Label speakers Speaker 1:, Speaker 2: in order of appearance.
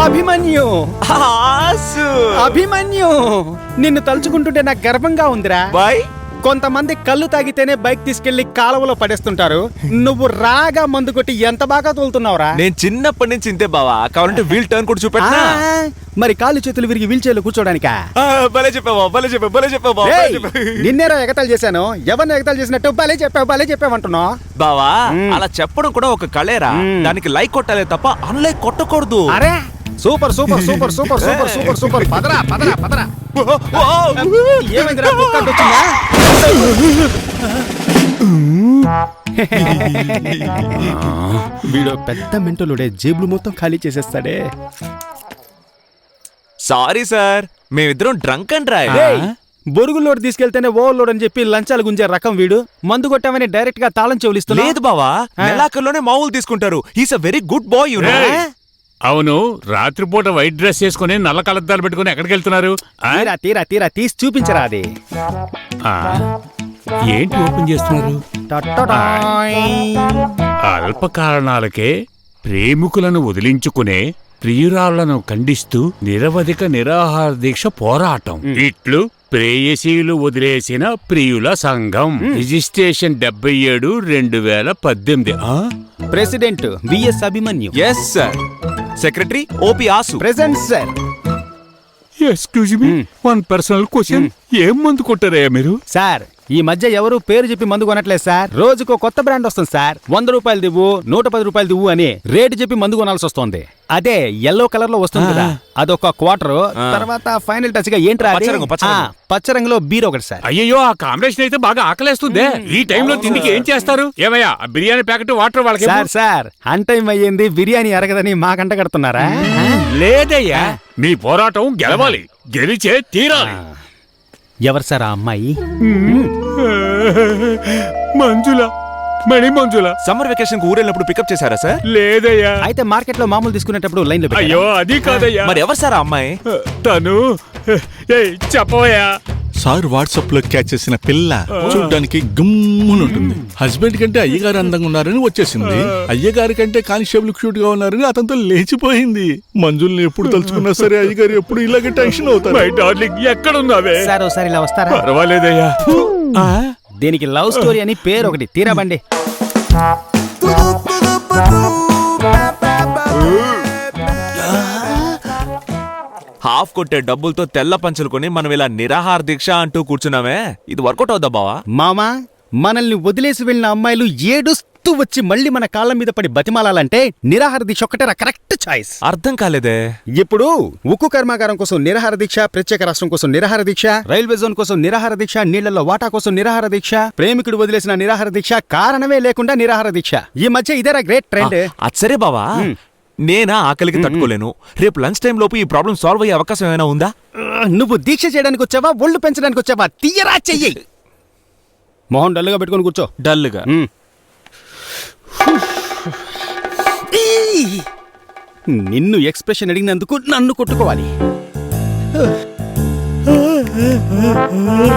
Speaker 1: అభిమన్యు
Speaker 2: ఆసు
Speaker 1: అభిమన్యు నిన్ను తలుచుకుంటుంటే నాకు గర్వంగా ఉందిరా.
Speaker 2: బాయ్
Speaker 1: కొంతమంది కళ్ళు తాగితేనే బైక్ తీసుకెళ్లి కాలువలో పడేస్తుంటారు. నువ్వు రాగా మందు కొట్టి ఎంత బాగా తోలుతున్నావురా.
Speaker 2: నేను చిన్నప్పటి నుంచి ఇంతే బావా. కావాలంటే వీల్ టర్న్ కూడా చూపెట్టనా?
Speaker 1: మరి కాళ్ళు చేతులు విరిగి వీల్ చైర్లో కూర్చోడానికా?
Speaker 2: భలే చెప్పావా, భలే చెప్పావు, భలే చెప్పావు బావా, భలే చెప్పావు.
Speaker 1: నిన్నేరా ఎగతాలు చేశాను. ఎవరిని ఎగతాలు చేసినట్టు భలే చెప్పావు అంటున్నావు
Speaker 2: బావా. అలా చెప్పడం కూడా ఒక కళేరా. దానికి లైక్ కొట్టాలే తప్ప అన్లైక్ కొట్టకూడదు.
Speaker 1: అరే super super super super super super super పదరా పదరా పదరా. ఏమైందిరా? కుక్క అడ్డొచ్చిందా? వీడు పెద్ద మెంటలుడే, జేబులు మొత్తం ఖాళీ చేసేస్తాడే.
Speaker 2: సారీ సార్, మేమిద్దరం డ్రంక్ అండ్ డ్రైవ్.
Speaker 1: బొరుగులోడ్ తీసుకెళ్తేనే ఓవర్లోడ్ అని చెప్పి లంచాలు గుంజే రకం వీడు. మందు కొట్టామని డైరెక్ట్ గా తాళం చెవులిస్తా.
Speaker 2: లేదు బావా, నెలాఖరులోనే మామూలు తీసుకుంటారు. He's a very good boy you know.
Speaker 3: అవును, రాత్రిపూట వైట్ డ్రెస్ చేసుకుని నల్ల కలద్దాలు పెట్టుకుని ఎక్కడికి వెళ్తున్నారు?
Speaker 1: తీరా తీరా తీరా తీసి చూపించరా అది.
Speaker 3: ఏంటి ఓపెన్ చేస్తున్నారు? అల్ప కారణాలకే ప్రేమికులను వదిలించుకునే ప్రియురాళ్లను ఖండిస్తూ నిరవధిక నిరాహార దీక్ష పోరాటం. ఇట్లు ప్రేయసీలు వదిలేసిన ప్రియుల సంఘం. Registration 77/2018.
Speaker 1: President VS Abhimanyu.
Speaker 2: Yes sir. Secretary OP ఆసు.
Speaker 1: Present sir.
Speaker 3: Excuse me, one personal question. ఏం మందు కొట్టారయ్యా మీరు?
Speaker 1: సార్ ఈ మధ్య ఎవరు పేరు చెప్పి మందు కొనట్లేదు సార్. రోజుకో కొత్త బ్రాండ్ వస్తుంది సార్. 100 రూపాయలు దివ్వు, 110 రూపాయలు దివ్వు అని రేటు చెప్పి మందు కొనాల్సి వస్తుంది. అదే ఎల్లో కలర్ లో వస్తుంది కదా, అదొక క్వార్టర్. తర్వాత ఫైనల్ టచ్ గా ఏంట్రా పచ్చ రంగులో బీర్ ఒకటి సార్.
Speaker 3: అయ్యో, ఆ కాంబినేషన్ అయితే బాగా ఆకలేస్తుంది. ఈ టైంలో తిండికి ఏం చేస్తారు? ఏమయ్యా, బిర్యానీ ప్యాకెట్ వాటర్ వాళ్ళకి.
Speaker 1: సార్ అన్ టైం అయ్యింది, బిర్యానీ అరగదని మా కంట కడుతున్నారా?
Speaker 3: లేదయ్యా, మీ పోరాటం గెలవాలి, గెలిచే తీరాలి.
Speaker 1: ఎవరు సార్ ఆ అమ్మాయి?
Speaker 3: మంజుల, మణి మంజుల.
Speaker 2: సమ్మర్ వెకేషన్ కు ఊరెళ్ళినప్పుడు పికప్ చేశారా సార్?
Speaker 3: లేదయ్యా.
Speaker 1: అయితే మార్కెట్ లో మామూలు తీసుకునేటప్పుడు లైన్ లో.
Speaker 3: అయ్యో అది కాదయ్యా.
Speaker 2: మరి ఎవరు సార్ ఆ అమ్మాయి?
Speaker 3: తను చెప్పవయ్యా.
Speaker 4: సార్ వాట్సాప్ లో క్యాచ్ చేసిన పిల్ల చూడ్డానికి గుమ్మునుంటుంది. హస్బెండ్ కంటే అయ్యగారు అందంగా ఉన్నారని వచ్చేసింది. అయ్యగారి కంటే కానిస్టేబుల్ క్యూట్ గా ఉన్నారని అతనితో లేచిపోయింది. మంజుల్ని ఎప్పుడు తలుచుకున్నా సరే అయ్యగారు ఎప్పుడు ఇలాగే టెన్షన్ అవుతారు.
Speaker 3: My darling, ఎక్కడున్నావే?
Speaker 1: సార్ ఒకసారి ఇలా వస్తారా?
Speaker 3: పర్వాలేదయ్యా.
Speaker 1: దీనికి లవ్ స్టోరీ అని పేరు ఒకటి. తీరాబండి.
Speaker 2: హాఫ్ కొట్టే డబ్బులతో తెల్ల పంచులు కొని మనం ఇలా నిరాహార దీక్ష అంటూ కూర్చున్నామే, ఇది వర్కౌట్ అవుద్దా బావా?
Speaker 1: మామా, మనల్ని వదిలేసి వెళ్ళిన అమ్మాయిలు ఏడుస్తూ వచ్చి మళ్ళీ మన కాళ్ళ మీద పడి బతిమాలాలంటే నిరాహార దీక్ష ఒక్కటే కరెక్ట్ చాయిస్.
Speaker 2: అర్థం కాలేదే.
Speaker 1: ఇప్పుడు ఉక్కు కర్మాగారం కోసం నిరాహార దీక్ష, ప్రత్యేక రాష్ట్రం కోసం నిరాహార దీక్ష, రైల్వే జోన్ కోసం నిరాహార దీక్ష, నీళ్లలో వాటా కోసం నిరాహార దీక్ష, ప్రేమికుడు వదిలేసిన నిరాహార దీక్ష, కారణమే లేకుండా నిరాహార దీక్ష. ఈ మధ్య ఇదేరా గ్రేట్ ట్రెండ్.
Speaker 2: అచ్చరే బావా, నేనా ఆకలికి తట్టుకోలేను. రేపు లంచ్ టైం లోపు ఈ ప్రాబ్లం సాల్వ్ అయ్యే అవకాశం ఏమైనా ఉందా?
Speaker 1: నువ్వు దీక్ష చేయడానికి వచ్చావా, ఒళ్ళు పెంచడానికి వచ్చావా? తీయరా చెయ్యి. మొహం డల్లుగా పెట్టుకుని కూర్చో.
Speaker 2: డల్లుగా.
Speaker 1: నిన్ను ఎక్స్ప్రెషన్ అడిగినందుకు నన్ను కొట్టుకోవాలి.